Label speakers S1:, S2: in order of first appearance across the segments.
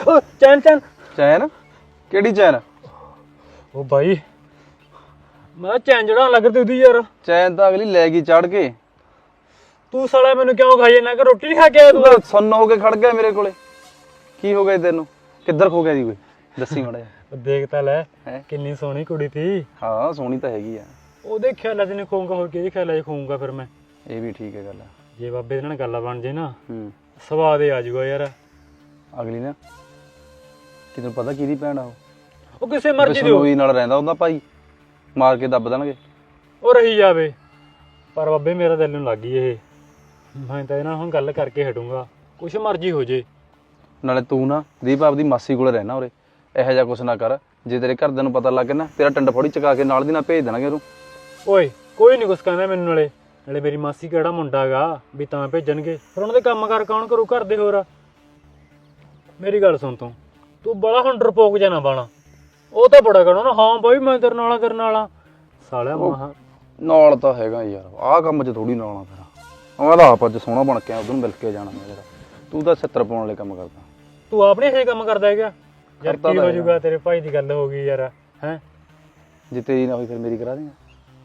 S1: ਓ ਚੈਨ ਚੈਨ
S2: ਚੈਨ ਕਿਹੜੀ ਚੈਨ?
S1: ਓ ਬਾਈ ਮੈਂ ਚੈਨ ਜੜਾਉਣ ਲੱਗ ਤੇ ਉਹਦੀ ਯਾਰ।
S2: ਚੈਨ ਤਾਂ ਅਗਲੀ ਲੈ ਗਈ ਚੜ ਕੇ।
S1: ਤੂੰ ਸਾਲਾ ਮੈਨੂੰ ਕਿਉਂ ਖਾਈ ਜਾਂਦਾ ਕਿ ਰੋਟੀ ਨਹੀਂ ਖਾ ਕੇ ਆਇਆ
S2: ਤੂੰ
S1: ਤੂੰ?
S2: ਤਾਂ ਸੁੰਨ ਹੋ ਕੇ ਖੜ ਗਿਆ ਮੇਰੇ ਕੋਲੇ। ਕੀ ਹੋ ਗਿਆ ਤੈਨੂੰ? ਕਿੱਧਰ ਖੋ ਗਿਆ ਜੀ ਕੋਈ? ਦੱਸੀ ਮਾੜਾ ਜਿਹਾ।
S1: ਦੇਖ ਤਾਂ ਲੈ
S2: ਹੈਂ?
S1: ਕਿੰਨੀ ਸੋਹਣੀ ਕੁੜੀ ਸੀ।
S2: ਹਾਂ ਸੋਹਣੀ ਤਾਂ ਹੈਗੀ ਆ।
S1: ਉਹਦੇ ਖਿਆਲਾਂ 'ਚ ਨਹੀਂ ਖੂੰਗਾ, ਹੋਰ ਕਿਹਦੇ ਖਿਆਲਾਂ 'ਚ ਖੂੰਗਾ ਫਿਰ ਮੈਂ?
S2: ਇਹ ਵੀ ਠੀਕ ਹੈ ਗੱਲ।
S1: ਜੇ ਬਾਬੇ ਦੇ ਨਾਲ ਗੱਲ ਬਣ ਜੇ ਨਾ
S2: ਹੂੰ
S1: ਸਵਾਦ ਹੀ ਆ ਜਾਊਗਾ ਯਾਰ।
S2: ਅਗਲੀ ਨਾ ਕਿ ਤੈਨੂੰ ਪਤਾ ਕਿਹਦੀ ਭੈਣ ਆ?
S1: ਉਹ ਕਿਸੇ ਮਰਜ਼ੀ ਦੀ
S2: ਬਿਸ਼ਨੋਈ ਨਾਲ ਰਹਿੰਦਾ ਉਹਦਾ ਭਾਈ, ਮਾਰ ਕੇ ਦੱਬ ਦੇਣਗੇ।
S1: ਉਹ ਰਹੀ ਜਾਵੇ, ਪਰ ਬਾਬੇ ਮੇਰਾ ਦਿਲ ਨੂੰ ਲੱਗ ਗਈ ਇਹ। ਮੈਂ ਤਾਂ ਇਹਨਾਂ ਨਾਲ ਹੁਣ ਗੱਲ ਕਰਕੇ ਹਟੂੰਗਾ, ਕੁਛ ਮਰਜ਼ੀ ਹੋ ਜੇ।
S2: ਨਾਲੇ ਤੂੰ ਨਾ ਦੀਪ ਆਪਦੀ ਮਾਸੀ ਕੋਲੇ ਰਹਿਣਾ ਉਰੇ। ਇਹੋ ਜਿਹਾ ਕੁਛ ਨਾ ਕਰ, ਜੇ ਤੇਰੇ ਘਰਦਿਆਂ ਨੂੰ ਪਤਾ ਲੱਗ ਗਿਆ ਨਾ ਤੇਰਾ ਟੰਡ ਫੋੜੀ ਚਕਾ ਕੇ ਨਾਲ ਦੀ ਨਾਲ ਭੇਜ ਦੇਣਗੇ ਉਹਨੂੰ।
S1: ਓਏ ਕੋਈ ਨਹੀਂ ਕੁਛ ਕਹਿੰਦਾ ਮੈਨੂੰ। ਨਾਲੇ ਮੇਰੀ ਮਾਸੀ ਕਿਹੜਾ ਮੁੰਡਾ ਗਾ ਵੀ ਤਾਂ ਭੇਜਣਗੇ? ਫਿਰ ਉਹਨਾਂ ਦੇ ਕੰਮ ਕਰ ਕੌਣ ਕਰੂ ਘਰ ਦੇ? ਹੋਰ ਮੇਰੀ ਗੱਲ ਸੁਣ, ਤੂੰ ਬੜਾ ਹੁਣ ਡਰਪੋਕ ਜਾਣਾ ਬਾਣਾ। ਉਹ ਤਾਂ ਬੜਾ ਕਹਿਣਾ ਨਾ, ਹਾਂ ਬਾਈ ਮੈਂ ਤੇਰੇ ਨਾਲ ਤੇਰੇ ਨਾਲ ਸਾਲਿਆ ਮਹਾ
S2: ਨਾਲ ਤਾਂ ਹੈਗਾ ਯਾਰ, ਆਹ ਕੰਮ 'ਚ ਥੋੜੀ ਨਾਲ ਆ। ਫਿਰ ਮੈਂ ਤਾਂ ਆਪ ਅੱਜ ਸੋਹਣਾ ਬਣ ਕੇ ਉਧਰ ਨੂੰ ਮਿਲ ਕੇ ਜਾਣਾ ਮੇਰਾ। ਤੂੰ ਤਾਂ 70 ਪਾਉਣ ਵਾਲੇ ਕੰਮ ਕਰਦਾ।
S1: ਤੂੰ ਆਪਣੇ ਇਹ ਕੰਮ ਕਰਦਾ ਹੈਗਾ ਯਾਰ? ਕੀ ਹੋ ਜਾਊਗਾ? ਤੇਰੇ ਭਾਈ ਦੀ ਗੱਲ ਹੋ ਗਈ ਯਾਰ। ਹੈ
S2: ਜੇ ਤੇਰੀ ਨਾ ਹੋਈ ਫਿਰ ਮੇਰੀ ਕਰਾ ਦੇਂਗਾ।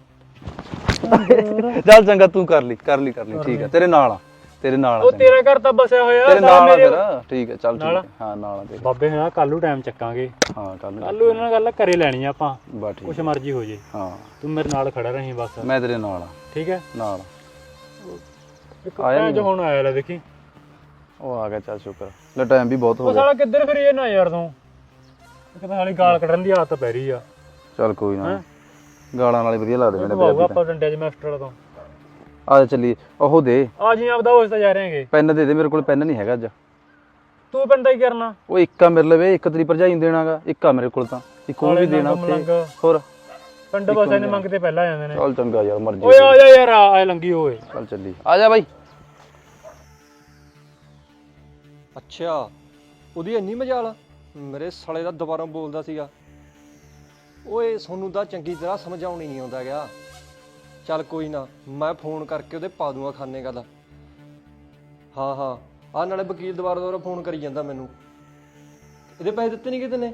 S2: ਚੱਲ ਚੰਗਾ ਤੂੰ ਕਰ ਲਈ ਠੀਕ ਹੈ, ਤੇਰੇ ਨਾਲ ਆ। ਤੇਰੇ ਨਾਲ
S1: ਉਹ ਤੇਰਾ ਘਰ ਤਾਂ ਬਸਿਆ ਹੋਇਆ
S2: ਤੇਰੇ ਨਾਲ ਆ ਫਿਰ। ਠੀਕ ਹੈ ਚੱਲ ਠੀਕ ਹੈ। ਹਾਂ ਨਾਲ ਆ ਤੇਰੇ।
S1: ਬਾਬੇ ਨਾਲ ਕੱਲ ਨੂੰ ਟਾਈਮ ਚੱਕਾਂਗੇ।
S2: ਹਾਂ ਕੱਲ
S1: ਕੱਲ ਨੂੰ ਇਹਨਾਂ ਨਾਲ ਗੱਲ ਕਰੇ ਲੈਣੀ ਆ ਆਪਾਂ।
S2: ਬਸ ਠੀਕ,
S1: ਕੁਛ ਮਰਜ਼ੀ ਹੋ ਜੇ।
S2: ਹਾਂ
S1: ਤੂੰ ਮੇਰੇ ਨਾਲ ਖੜਾ ਰਹੀਂ ਬਸ।
S2: ਮੈਂ ਤੇਰੇ ਨਾਲ ਆ।
S1: ਠੀਕ ਹੈ
S2: ਨਾਲ
S1: ਆਇਆ ਜੋ ਹੁਣ ਆਇਆ ਲੈ ਦੇਖੀ।
S2: ਉਹ ਆ ਗਿਆ, ਚੱਲ ਸ਼ੁਕਰ। ਲੈ ਟਾਈਮ ਵੀ ਬਹੁਤ ਹੋ
S1: ਉਹ
S2: ਗਿਆ।
S1: ਸਾਲਾ ਕਿੱਧਰ ਫਿਰੀ ਨਾ ਯਾਰ ਤੂੰ? ਇੱਕ ਤਾਂ ਹਾਲੀ ਗਾਲ ਕੱਢਣ ਦੀ ਆਦਤ ਪੈ ਰਹੀ ਆ।
S2: ਚੱਲ ਕੋਈ ਨਾ, ਗਾਲਾਂ ਨਾਲ ਹੀ ਵਧੀਆ ਲੱਗਦੇ ਨੇ
S1: ਬਾਬੂ ਆਪਾਂ ਡੰਡੇ 'ਚ ਮਾਸਟਰ ਤੋਂ
S2: ਆ ਜਾ ਚੱਲੀਏ। ਉਹ ਦੇ
S1: ਆ ਜੀ ਆਪਦਾ ਹੋਸ ਤਾਂ ਜਾ ਰਹੇ ਹੈਗੇ।
S2: ਪੈਨ ਦੇ ਦੇ, ਮੇਰੇ ਕੋਲ ਪੈਨ ਨਹੀਂ ਹੈਗਾ ਅੱਜ।
S1: ਤੂੰ ਪਿੰਡ ਦਾ ਹੀ ਕਰਨਾ? ਉਹ
S2: ਇੱਕ ਆ ਮੇਰੇ ਲਵੇ, ਇੱਕ ਤੇਰੀ ਭਰਜਾਈ ਨੂੰ ਦੇਣਾਗਾ। ਇੱਕ ਆ ਮੇਰੇ ਕੋਲ ਤਾਂ, ਇੱਕ ਉਹ ਵੀ ਦੇਣਾ ਉੱਥੇ। ਹੋਰ
S1: ਪਿੰਡ ਬਸਾਂ ਦੇ ਮੰਗਤੇ ਪਹਿਲਾਂ ਜਾਂਦੇ ਨੇ।
S2: ਚੱਲ ਚੰਗਾ ਯਾਰ, ਮਰਜ਼ੀ।
S1: ਓਏ ਆ ਜਾ ਯਾਰ, ਆ ਲੰਗੀ ਓਏ।
S2: ਚੱਲ ਚੱਲੀ, ਆ ਜਾ ਬਾਈ।
S3: ਅੱਛਾ ਉਹਦੀ ਇੰਨੀ ਮਜਾਲ? ਮੇਰੇ ਸਾਲੇ ਦਾ ਦੁਬਾਰਾ ਬੋਲਦਾ ਸੀਗਾ। ਓਏ ਸੋਨੂੰ ਤਾਂ ਚੰਗੀ ਤਰ੍ਹਾਂ ਸਮਝਾਉਣੀ ਨਹੀਂ ਆਉਂਦਾ ਗਿਆ। ਚੱਲ ਕੋਈ ਨਾ, ਮੈਂ ਫੋਨ ਕਰਕੇ ਉਹਦੇ ਪਾ ਦੂੰਗਾ ਖਾਨੇ ਗੱਲ। ਹਾਂ ਹਾਂ ਆਹ ਨਾਲੇ ਵਕੀਲ ਦੁਬਾਰਾ ਫੋਨ ਕਰੀ ਜਾਂਦਾ ਮੈਨੂੰ। ਇਹਦੇ ਪੈਸੇ ਦਿੱਤੇ ਨਹੀਂ ਕਿਤੇ ਨੇ?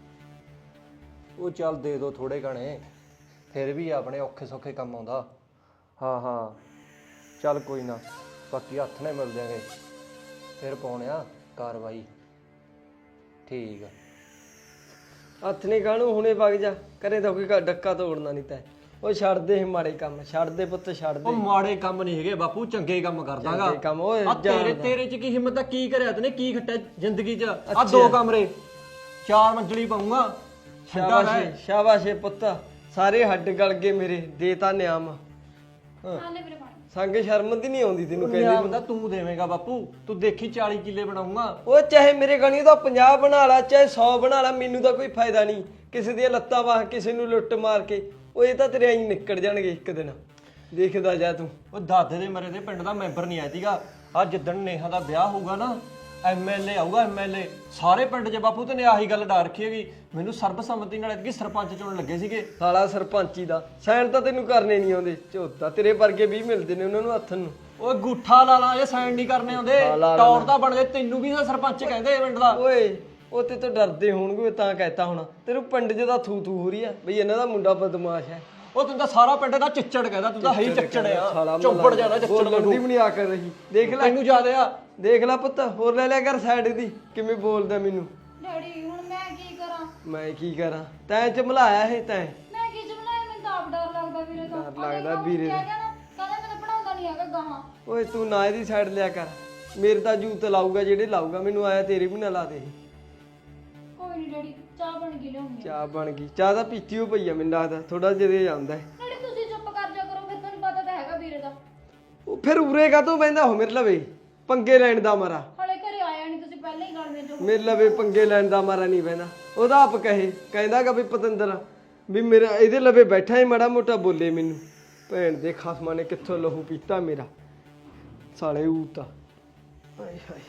S3: ਉਹ ਚੱਲ ਦੇ ਦੋ ਥੋੜੇ ਘਣੇ, ਫਿਰ ਵੀ ਆਪਣੇ ਔਖੇ ਸੌਖੇ ਕੰਮ ਆਉਂਦਾ। ਹਾਂ ਹਾਂ ਚੱਲ ਕੋਈ ਨਾ, ਬਾਕੀ ਹੱਥ ਨਾਲ ਮਿਲ ਜਾਗੇ ਫਿਰ ਪਾਉਣਿਆ ਕਾਰਵਾਈ। ਠੀਕ ਆ, ਹੱਥ ਨਹੀਂ ਕਾਹਨੂੰ, ਹੁਣੇ ਵਗ ਜਾ। ਕਰੇ ਤਾਂ ਕੋਈ ਡੱਕਾ ਤੋੜਨਾ ਨਹੀਂ ਤੈਂ। ਉਹ ਛੱਡ ਦੇ ਮਾੜੇ ਕੰਮ, ਛੱਡ ਦੇ ਪੁੱਤ, ਛੱਡ ਦੇ। ਉਹ ਮਾੜੇ ਕੰਮ ਨਹੀਂ ਹੈਗੇ ਬਾਪੂ, ਚੰਗੇ ਕੰਮ ਕਰਦਾਗਾ। ਕੰਮ ਓਏ ਤੇਰੇ ਚ ਕੀ ਹਿੰਮਤ ਆ? ਕੀ ਕਰਿਆ ਤੈਨੇ? ਕੀ ਖੱਟਿਆ ਜ਼ਿੰਦਗੀ ਚ? ਆ 2 ਕਮਰੇ 4 ਮੰਜ਼ਲੀ ਪਾਉਂਗਾ। ਸ਼ਾਬਾਸ਼ ਸ਼ਾਬਾਸ਼ ਪੁੱਤ, ਸਾਰੇ ਹੱਡ ਗਲ ਗਏ ਮੇਰੇ। ਦੇ ਤਾਂ ਨਿਆਮ। ਸੰਗ ਸ਼ਰਮ ਦੀ ਨਹੀਂ ਆਉਂਦੀ ਤੈਨੂੰ? ਕਹਿੰਦੇ ਹੁੰਦਾ ਤੂੰ ਦੇਵੇਂਗਾ ਬਾਪੂ, ਤੂੰ ਦੇਖੀ 40 ਕਿੱਲੇ ਬਣਾਉਂਗਾ। ਉਹ ਚਾਹੇ ਮੇਰੇ ਗਣੀ ਦਾ 50 ਬਣਾ ਲਾ, ਚਾਹੇ 100 ਬਣਾ ਲਾ, ਮੈਨੂੰ ਤਾਂ ਕੋਈ ਫਾਇਦਾ ਨਹੀਂ। ਕਿਸੇ ਦੀਆਂ ਲੱਤਾਂ ਵਾਹ, ਕਿਸੇ ਨੂੰ ਲੁੱਟ ਮਾਰ ਕੇ ਉਹ ਇਹ ਤਾਂ ਤੇਰੇ ਆਈ ਨਿਕਲ ਜਾਣਗੇ ਇੱਕ ਦਿਨ, ਦੇਖਦਾ ਜਾ ਤੂੰ। ਉਹ ਦਾਦੇ ਦੇ ਮਰੇ ਦੇ ਪਿੰਡ ਦਾ ਮੈਂਬਰ ਨਹੀਂ ਆਇਆ ਸੀਗਾ। ਆ ਜਿੱਦਣ ਨੇਹਾ ਦਾ ਵਿਆਹ ਹੋਊਗਾ ਨਾ, MLA ਆਊਗਾ, MLA। ਸਾਰੇ ਪਿੰਡ 'ਚ ਬਾਪੂ ਤੇ ਨੇ ਆਹੀ ਗੱਲ ਡਾ ਰੱਖੀ ਹੈਗੀ। ਮੈਨੂੰ ਸਰਬਸੰਮਤੀ ਨਾਲ ਐਤਕੀ ਸਰਪੰਚ ਚੁਣਨ ਲੱਗੇ ਸੀਗੇ। ਸਾਲਾ ਸਰਪੰਚੀ ਦਾ ਸਾਈਨ ਤਾਂ ਤੈਨੂੰ ਕਰਨੇ ਨਹੀਂ ਆਉਂਦੇ। ਝੋਤਾ ਤੇਰੇ ਵਰਗੇ 20 ਮਿਲਦੇ ਨੇ ਉਹਨਾਂ ਨੂੰ ਹੱਥ ਨੂੰ। ਓਏ ਗੁੱਠਾ ਲਾ ਲਾ, ਇਹ ਸਾਈਨ ਨਹੀਂ ਕਰਨੇ ਆਉਂਦੇ। ਟੌਰ ਤਾਂ ਬਣ ਗਏ, ਤੈਨੂੰ ਵੀ ਤਾਂ ਸਰਪੰਚ ਕਹਿੰਦੇ ਪਿੰਡ ਦਾ। ਓਏ ਉਹ ਤੇ ਤਾਂ ਡਰਦੇ ਹੋਣਗੇ ਤਾਂ ਕਹਿਤਾ ਹੋਣਾ। ਤੈਨੂੰ ਪਿੰਡ 'ਚ ਤਾਂ ਥੂ ਥੂ ਹੋ ਰਹੀ ਆ ਬਈ ਇਹਨਾਂ ਦਾ ਮੁੰਡਾ ਬਦਮਾਸ਼ ਹੈ। ਉਹ ਤੈਨੂੰ ਤਾਂ ਸਾਰਾ ਪਿੰਡ ਦਾ ਚਿੱਚੜ ਕਹਿੰਦਾ, ਤੂੰ ਤਾਂ ਹੈ ਹੀ ਚੱਚੜ ਆ। ਚੁੱਪੜ ਜਾਣਾ ਚੱਚੜ ਬੰਦੀ ਵੀ ਨਹੀਂ ਆ ਕਰ ਰਹੀ। ਦੇਖ ਲੈ ਤੈਨੂੰ ਜ਼ਿਆਦਾ ਆ। ਦੇਖ ਲੈ ਪੁੱਤ, ਹੋਰ ਲੈ ਲਿਆ ਕਰ ਸਾਈਡ ਦੀ। ਕਿਵੇਂ ਬੋਲਦਾ ਮੈਨੂੰ।
S4: ਡੈਡੀ ਹੁਣ ਮੈਂ ਕੀ ਕਰਾਂ?
S3: ਮੈਂ ਕੀ ਕਰਾਂ? ਤੈਂ ਚਮਲਾਇਆ ਇਹ ਤੈਂ।
S4: ਮੈਂ ਕੀ ਚਮਲਾਇਆ? ਮੈਨੂੰ ਤਾਂ ਆਪ ਡਰ ਲੱਗਦਾ ਵੀਰੇ ਤੋਂ।
S3: ਡਰ ਲੱਗਦਾ ਵੀਰੇ ਤੋਂ।
S4: ਕਹਿੰਦਾ ਮੈਂ ਤਾਂ ਪੜਾਉਂਦਾ ਨਹੀਂ ਹੈਗਾ ਗਾਹਾਂ।
S3: ਓਏ ਤੂੰ ਨਾ ਇਹਦੀ ਸਾਈਡ ਲਿਆ ਕਰ। ਮੇਰੇ ਤਾਂ ਜੂਤ ਲਾਊਗਾ ਜਿਹੜੇ ਲਾਊਗਾ, ਮੈਨੂੰ ਆਇਆ ਤੇਰੇ ਵੀ ਨਾ ਲਾ ਦੇ।
S4: ਕੋਈ ਨਹੀਂ ਡੈਡੀ, ਚਾਹ ਬਣ ਗਈ ਲਿਆਉਂਗੀ।
S3: ਚਾਹ ਬਣ ਗਈ? ਚਾਹ ਤਾਂ ਪੀਤੀ ਹੋ ਪਈ ਆ ਮੈਨੂੰ ਲੱਗਦਾ, ਥੋੜਾ ਜਿਹੇ ਜਾਂਦਾ ਹੈ।
S4: ਡੈਡੀ ਤੁਸੀਂ ਚੁੱਪ ਕਰ ਜਾ ਕਰੋ, ਫਿਰ ਤੁਹਾਨੂੰ ਪਤਾ ਤਾਂ ਹੈਗਾ ਵੀਰੇ ਦਾ।
S3: ਉਹ ਫਿਰ ਉਰੇ ਕਾਹਤੋਂ ਬਹਿੰਦਾ ਹੋ ਮੇਰੇ ਲਵੇ? ਪੰਗੇ ਲੈਣ ਦਾ ਮਾਰਾ।
S4: ਹਲੇ ਘਰੇ ਆਇਆ ਨਹੀਂ, ਤੁਸੀਂ ਪਹਿਲਾਂ ਹੀ ਗੱਲ ਮੇਰੇ
S3: ਮੇਰੇ ਲਵੇ ਪੰਗੇ ਲੈਣ ਦਾ ਮਾਰਾ ਨਹੀਂ ਬਹਿੰਦਾ। ਉਹਦਾ ਆਪ ਕਹਿੰਦਾਗਾ ਵੀ ਪਤੰਦਰ ਵੀ ਮੇਰਾ ਇਹਦੇ ਲਵੇ ਬੈਠਾ ਹੀ ਮਾੜਾ ਮੋਟਾ ਬੋਲੇ ਮੈਨੂੰ। ਭੈਣ ਦੇ ਖਸਮਾਂ ਨੇ ਕਿੱਥੋਂ ਲਹੂ ਪੀਤਾ ਮੇਰਾ, ਸਾਲੇ ਊਤਾ। ਹਾਏ ਹਾਏ।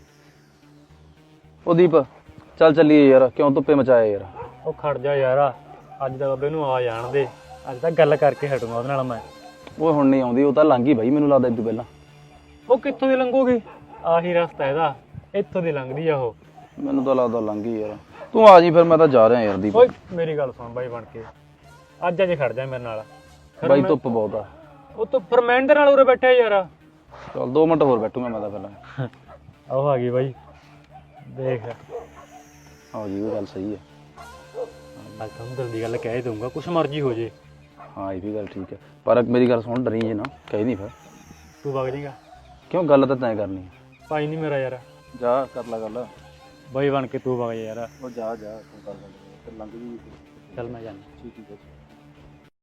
S2: ਉਹ ਦੀਪ ਚੱਲ ਚੱਲੀਏ ਯਾਰ, ਕਿਉਂ ਧੁੱਪੇ ਮਚਾਇਆ ਯਾਰ?
S1: ਉਹ ਖੜ ਜਾ ਯਾਰ, ਅੱਜ ਤਾਂ ਬਾਬੇ ਨੂੰ ਆ ਜਾਣ ਦੇ। ਅੱਜ ਤਾਂ ਗੱਲ ਕਰਕੇ ਹਟੂੰਗਾ ਉਹਦੇ ਨਾਲ ਮੈਂ।
S2: ਉਹ ਹੁਣ ਨਹੀਂ ਆਉਂਦੀ, ਉਹ ਤਾਂ ਲੰਘ ਗਈ ਬਾਈ, ਮੈਨੂੰ ਲੱਗਦਾ ਇਦੋਂ ਪਹਿਲਾਂ।
S1: ਉਹ ਕਿੱਥੋਂ ਦੀ ਲੰਘੂਗੀ? ਆਹੀ ਰਸਤਾ ਇਹਦਾ, ਇੱਥੋਂ ਦੀ ਲੰਘਦੀ ਆ ਉਹ।
S2: ਮੈਨੂੰ ਤਾਂ ਲੱਗਦਾ ਲੰਘ ਗਈ ਯਾਰ। ਤੂੰ ਆ ਜੀ ਫਿਰ, ਮੈਂ ਤਾਂ ਜਾ ਰਿਹਾ ਯਾਰ ਦੀਪ।
S1: ਓਏ ਮੇਰੀ ਗੱਲ ਸੁਣ ਬਾਈ ਬਣ ਕੇ, ਅੱਜ ਖੜ ਜਾ ਮੇਰੇ ਨਾਲ। ਫਿਰ
S2: ਬਾਈ
S1: ਮੈਂ-
S2: ਧੁੱਪ ਬਹੁਤ ਆ।
S1: ਉਹ ਤੂੰ ਫਰਮੈਂਡ ਦੇ ਨਾਲ ਉਰੇ ਬੈਠਾ ਯਾਰ।
S2: ਚਲ 2 ਮਿੰਟ ਹੋਰ ਬੈਠੂਗਾ ਮੈਂ ਤਾਂ ਪਹਿਲਾਂ।
S1: ਆਹ ਆ ਗਈ ਬਾਈ, ਦੇਖ
S2: ਆਹ ਜੀ, ਉਹ ਗੱਲ ਸਹੀ ਹੈ।
S1: ਅੱਜ ਤੁਹਾਨੂੰ ਦਿਲ ਦੀ ਗੱਲ ਕਹਿ ਦਊਂਗਾ, ਕੁਛ ਮਰਜ਼ੀ ਹੋ ਜੇ।
S2: ਹਾਂ ਇਹ ਵੀ ਗੱਲ ਠੀਕ ਹੈ, ਪਰ ਮੇਰੀ ਗੱਲ ਸੁਣ, ਡਰੀ ਜੇ ਨਾ, ਕਹਿ ਨਹੀਂ ਫਿਰ।
S1: ਤੂੰ ਵਗ ਜਾਏਗਾ?
S2: ਕਿਉਂ, ਗੱਲ ਤਾਂ ਤੈਂ ਕਰਨੀ ਹੈ।
S1: ਭਾਈ ਨਹੀਂ ਮੇਰਾ ਯਾਰ।
S2: ਜਾ ਕਰ ਲੈ ਗੱਲ।
S1: ਬਾਈ ਬਣ ਕੇ ਤੂੰ ਵਗ ਜਾ ਯਾਰ।
S2: ਉਹ ਜਾ ਤੂੰ ਕਰ ਲੈ, ਫਿਰ ਲੰਘ ਜੀ।
S1: ਚੱਲ ਮੈਂ ਜਾਣਾ।
S2: ਠੀਕ ਹੈ।